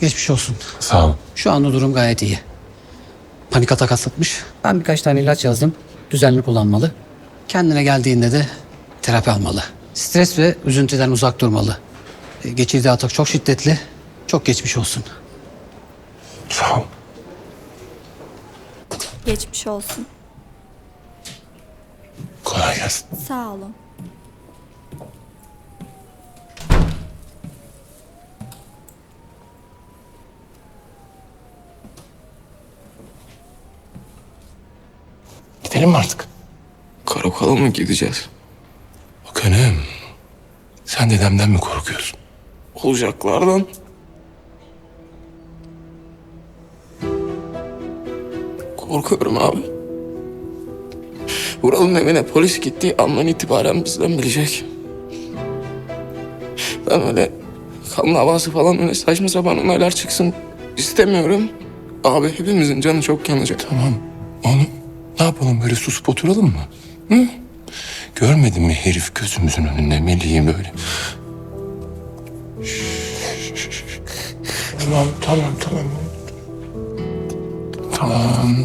Geçmiş olsun. Sağ ol. Şu anda durum gayet iyi. Panik atak atlatmış. Ben birkaç tane ilaç yazdım. Düzenli kullanmalı. Kendine geldiğinde de terapi almalı. Stres ve üzüntüden uzak durmalı. Geçirdiği atak çok şiddetli. Çok geçmiş olsun. Sağ ol. Geçmiş olsun. Kolay gelsin. Sağ olun. Gidelim mi artık? Karakola mı gideceğiz? Bak hanım. Sen dedemden mi korkuyorsun? Olacaklardan. Korkuyorum abi. Vural'ın evine polis gittiği andan itibaren bizden bilecek. Ben öyle kan davası falan öyle saçma sapan olaylar çıksın istemiyorum. Abi hepimizin canı çok yanacak. Tamam. Oğlum ne yapalım böyle susup oturalım mı? Hı? Görmedin mi herif gözümüzün önünde Melih'i böyle? Tamam, tamam, tamam. Tamam.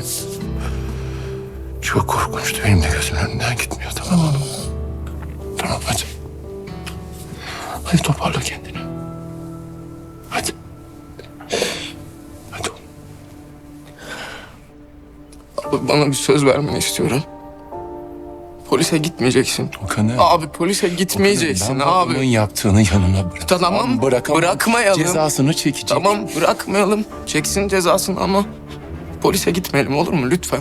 Çok korkunçtu. Benim de gözümün önünden gitmiyor. Tamam oğlum. Tamam hadi. Hadi toparla kendini. Hadi. Hadi oğlum. Abi bana bir söz vermeni istiyorum. Polise gitmeyeceksin. Okan'ı... Abi polise gitmeyeceksin Ben abi. babamın yaptığını yanına bırak. Tamam, Bırakamam. bırakmayalım. Cezasını çekecek. Tamam bırakmayalım. Çeksin cezasını ama polise gitmeyelim olur mu lütfen?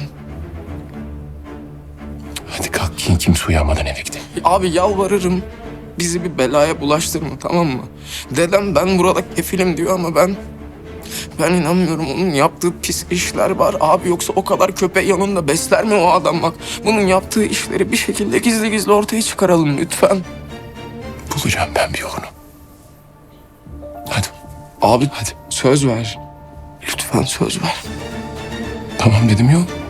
Hadi kalk kimse uyanmadan eve gidelim. Abi yalvarırım. Bizi bir belaya bulaştırma tamam mı? Dedem ben burada kefilim diyor ama ben inanmıyorum. Onun yaptığı pis işler var. Abi yoksa o kadar köpeği yanında besler mi o adam bak? Bunun yaptığı işleri bir şekilde gizli gizli ortaya çıkaralım lütfen. Bulacağım ben bir yolunu. Hadi. Abi Hadi. söz ver. Lütfen söz ver. Tamam dedim yok.